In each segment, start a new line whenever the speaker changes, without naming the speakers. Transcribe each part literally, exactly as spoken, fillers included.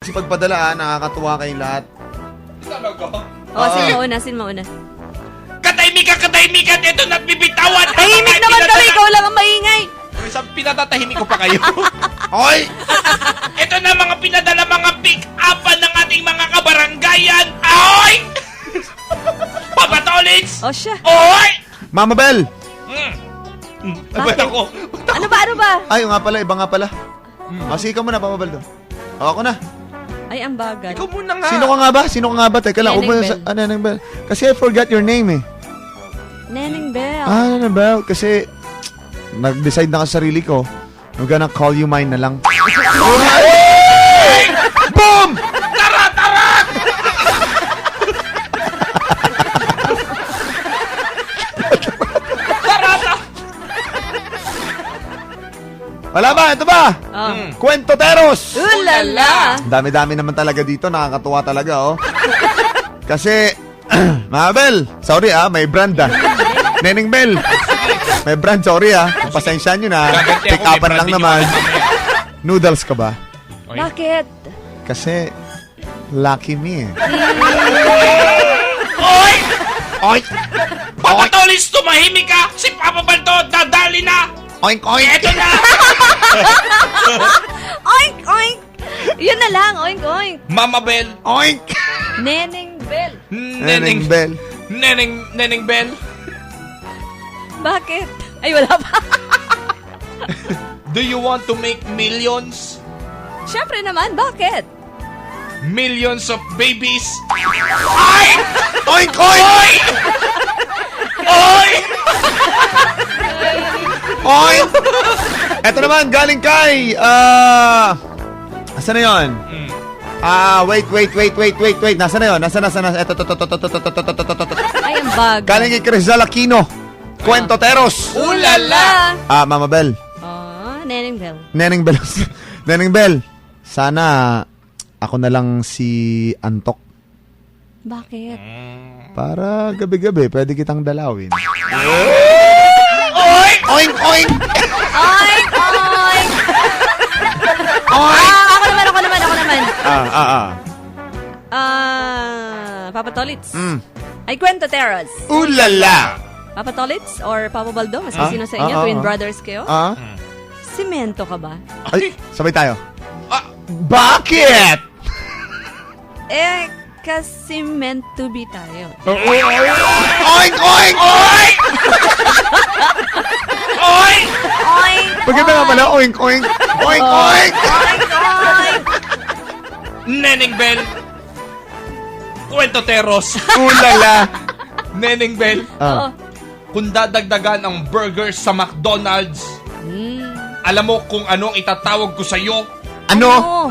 Kasi pagpadala, ah, nakakatuwa kayong lahat.
Talaga?
Oh, sin mauna, sin mauna.
Katahimikan, katahimikan! Ito nagbibitawan!
Tahimik naman kami, ikaw lang ang maingay.
Isang pinatatahimik ko pa kayo.
Hoy!
Ito na mga pinadala mga pick-upan ng ating mga kabaranggayan. Ahoy! Papa Tolits!
Oh, siya.
Oy!
Mama Bell!
Mm. Mm. Ba't
Bakit?
ako?
Ano ba, ano ba?
Ay, nga pala, iba nga pala. O, sige ka muna, Mama Bell doon. O, ako na.
Ay, ang bagal.
Ikaw muna nga.
Sino ka nga ba? Sino ka nga ba? Teka lang,
Neneng
upo na
Bell.
sa... Ah, Neneng Bell. Kasi I forgot your name eh.
Neneng Bell.
Ah, Neneng Bell. Kasi nag-decide na ako sa sarili ko. I'm gonna call you mine na lang. Boom!
Tara, tara! Tara, tara!
Wala ba? Ito ba?
Oh.
Mm.
Kwentoteros!
Ulala.
Dami-dami naman talaga dito. Nakakatuwa talaga, oh. Kasi, Mama Bell, sorry ah, may brand ah. Neneng Bell, may brand, sorry ah. Pasensya nyo na.
Gaganti ako,
Pick
may
upan lang
branding
naman.
ako mamaya.
Noodles ka ba?
Oy.
Bakit?
Kasi, lucky me eh.
Oy! Oy! Papa Tolits, tumahimik ka! Si Papa Balto, dadali na!
Oink, oink!
Eto na!
Oink, oink. Yun na lang, oink, oink.
Mama Bell,
Oink!
Neneng Bell.
Neneng
Neneng,
Bell.
Neneng, Neneng Bell.
Bakit? Ay, wala pa.
Do you want to make millions?
Siyempre naman, bakit?
Millions of babies? Ay!
Oink, oink!
Oy!
Oink! Eto naman, galing kay, ah... Asa na yun?
Mm.
Ah, wait, wait, wait, wait, wait, wait. Nasa na yun? Nasa, nasa, nasa. Eto, to, to, to, to, to, to, to, to, to, to, to.
Ay, ang bagal.
Galing kay Crizal Aquino. Kwentoteros.
Ulala!
Ah, Mama Bell.
Oh, Neneng Bell.
Neneng Bell. Neneng Bell. Sana ako na lang si Antok.
Bakit?
Para gabi-gabi, pwede kitang dalawin.
Oy!
Oink, oink!
Oink, oink.
Oink!
Ah, ako naman, ako naman, ako naman.
Ah, ah, ah.
Ah, Papa Tolits.
Mm.
Ay, Kwentoteros.
Ulala!
Papa Tolits or Papa Baldo? Mas
Ah?
sino sa inyo?
Ah, ah,
Twin
ah.
brothers kayo?
Ah?
Simento ka ba?
Ay, sabay tayo.
Ah,
Bakit?
Eh, kasi meant to be tayo.
Oink, oink!
Oy! Oy!
Oink!
Pagkita nga pala, oink, oink! Oink, oink!
Oink, oink!
Neneng Bell. Kwentoteros.
Ulala!
Neneng Bell.
Oo.
Ah.
Kung dadagdagan ang burgers sa McDonald's,
Hmm.
alam mo kung ano ang itatawag ko sa'yo?
Ano?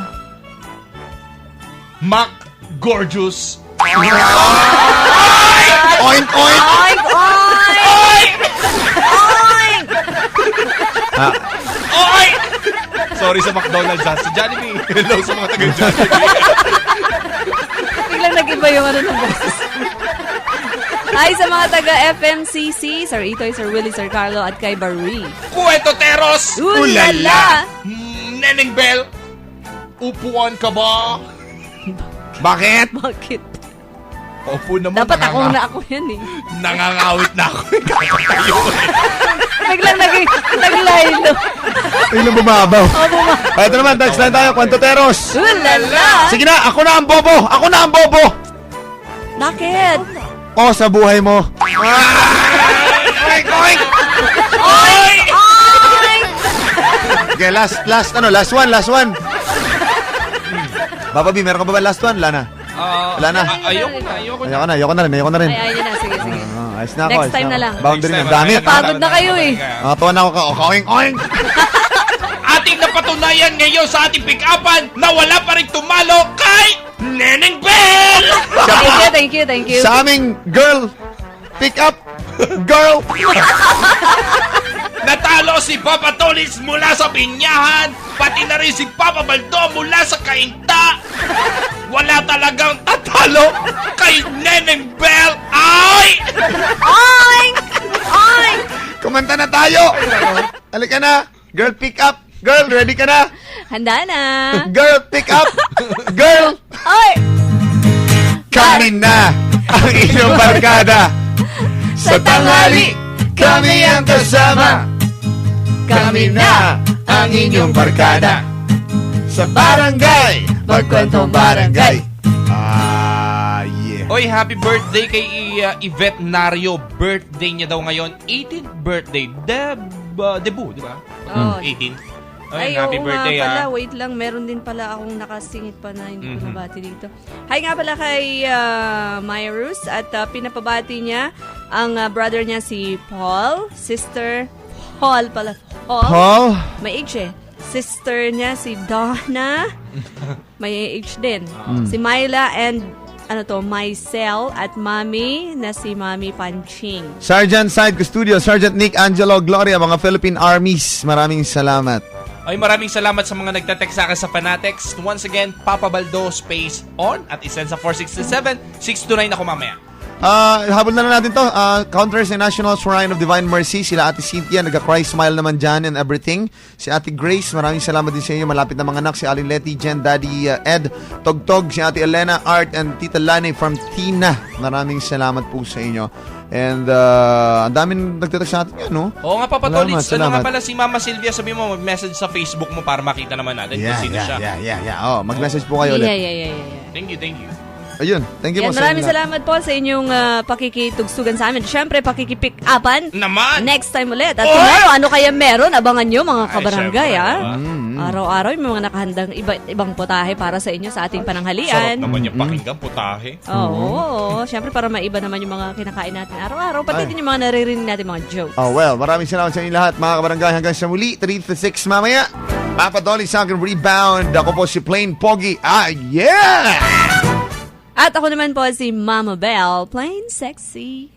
Mac Gorgeous.
Oink, oink!
Oink, oink! Oink!
Ah,
Oy! Sorry sa McDonald's ha. Sa Jollibee. Hello sa mga taga-Jollibee.
Biglang nag-iba yung ano ng boses. Hi sa mga taga-F M C C, Sir Itoy, Sir Willie, Sir Carlo, at kay Barry.
Kwentoteros.
Ulala!
Mm, Neneng Bell. Upuan ka ba?
bakit?
Bakit?
Opo naman.
Dapat ako
nanganga-
na ako yan eh.
Nangangawit na ako. Kakatayo.
Biglang nag- naglaylo.
Ilang bumabaw.
O, buma.
Ah, ito naman, touch lang tayo, Kwentoteros.
Ulala!
Sige na, ako na ang bobo! Ako na ang bobo!
Bakit?
O, sa buhay mo. Oink, oink!
Oy!
Oink!
Okay, last, last, ano, last one, last one. Papa B, meron ka ba ba last one? Wala na.
Ah,
Wala na.
ah, ayoko na, ayoko na.
Ayoko na, ayoko na rin, ayoko na rin.
Ay, ayun na. Sige, sige.
Ah, ayos na ako,
Next
ayos
time
na
na
ako.
lang.
Boundary na,
Next time,
dami.
wala
Pagod na kayo eh.
Nakatuwa na ako ka, oink, oink!
Ating napatunayan ngayon sa ating pick-upan na wala pa rin tumalo kay Neneng Bell!
Thank you, thank you, thank you.
Sa aming girl, pick up, girl!
Natalo si Papa Tolits mula sa Binyahan, pati na rin si Papa Baldo mula sa Kainta. Wala talagang tatalo kay Neneng Bell. Ay!
Oink! Oink!
Kumanta na tayo! Halika na! Girl, pick up! Girl, ready ka na?
Handa na.
Girl, pick up! Girl,
Oy!
kami na ang inyong barkada. Sa tanghali, kami ang kasama. Kami na ang inyong barkada. Sa barangay, magkwentong barangay. Ah, yeah.
Oy, happy birthday kay uh, Yvette Nario. Birthday niya daw ngayon. eighteenth birthday. Deb, uh, debut, di ba?
Oh.
eighteenth.
Ay,
Oy, happy
oo
birthday
nga pala.
ah.
Wait lang, meron din pala akong nakasingit pa na hindi ko
Mhm.
nabati dito. Hi nga pala kay uh, Maya Rus at uh, pinapabati niya ang uh, brother niya si Paul, sister Paul pala. Paul?
Paul?
May age eh. Sister niya si Donna. May age din. Si Myla and ano to, Mycel at Mami na si Mami Panching.
Sergeant Side Custodio, Sergeant Nick Angelo Gloria, mga Philippine Armies, maraming salamat.
Ay, maraming salamat sa mga nagtatext sa akin sa Fanatics. Once again, Papa Baldo space on at isend sa four six seven six two nine ako mamaya.
Ah, habol na lang natin to. Ah, Counters and National Shrine of Divine Mercy. Sila Ate Cynthia, nagka-cry smile naman dyan and everything. Si Ate Grace, maraming salamat din sa inyo. Malapit na mga anak. Si Aling Letty, Jen, Daddy uh, Ed, Togtog, si Ate Elena, Art, and Tita Lani from Tina. Maraming salamat po sa inyo. And uh, ang daming nagtatext sa atin yan, no?
Oo nga, Papa
Salamat,
Tolits. Ano
salamat.
nga pala si Mama Sylvia, sabi mo, mag-message sa Facebook mo para makita naman natin
Yeah,
kung sino
yeah,
siya.
yeah, yeah, yeah. Oh, mag-message po kayo
Yeah,
ulit.
yeah, yeah, yeah, yeah.
Thank you, thank you.
Ayun, thank you
Yan,
po sa
maraming
inyo.
salamat po sa inyong uh, pakikitugsugan sa amin. Siyempre, pakikipick-upan.
Naman!
Next time ulit. At
Oy!
tomorrow, ano kaya meron? Abangan nyo, mga
Ay,
kabarangay,
syempre,
ah.
diba?
Mm-hmm.
Araw-araw, may mga nakahandang iba, ibang potahe para sa inyo sa ating
Sarap
pananghalian.
naman yung pakinggan, putahe.
Oo, siyempre para maiba naman yung mga kinakain natin araw-araw. Pati
Ay.
din yung mga naririnig natin mga jokes.
Oh, well, maraming salamat sa inyo lahat, mga kabarangay. Hanggang sa muli, three to six mamaya. Papa Dolly sa akin rebound. Ako po si Plain Pogi. Ah, yeah!
At ako naman po si Mama Belle, plain sexy.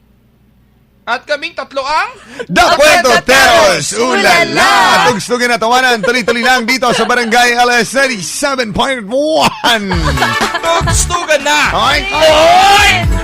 At kaming tatlo ang...
The Cuentoteros! Ulala! Tugstugin na tawanan. Tuloy-tuloy lang dito sa Barangay L S ninety-seven point one.
Tugstugan na!
Okay?
Oy!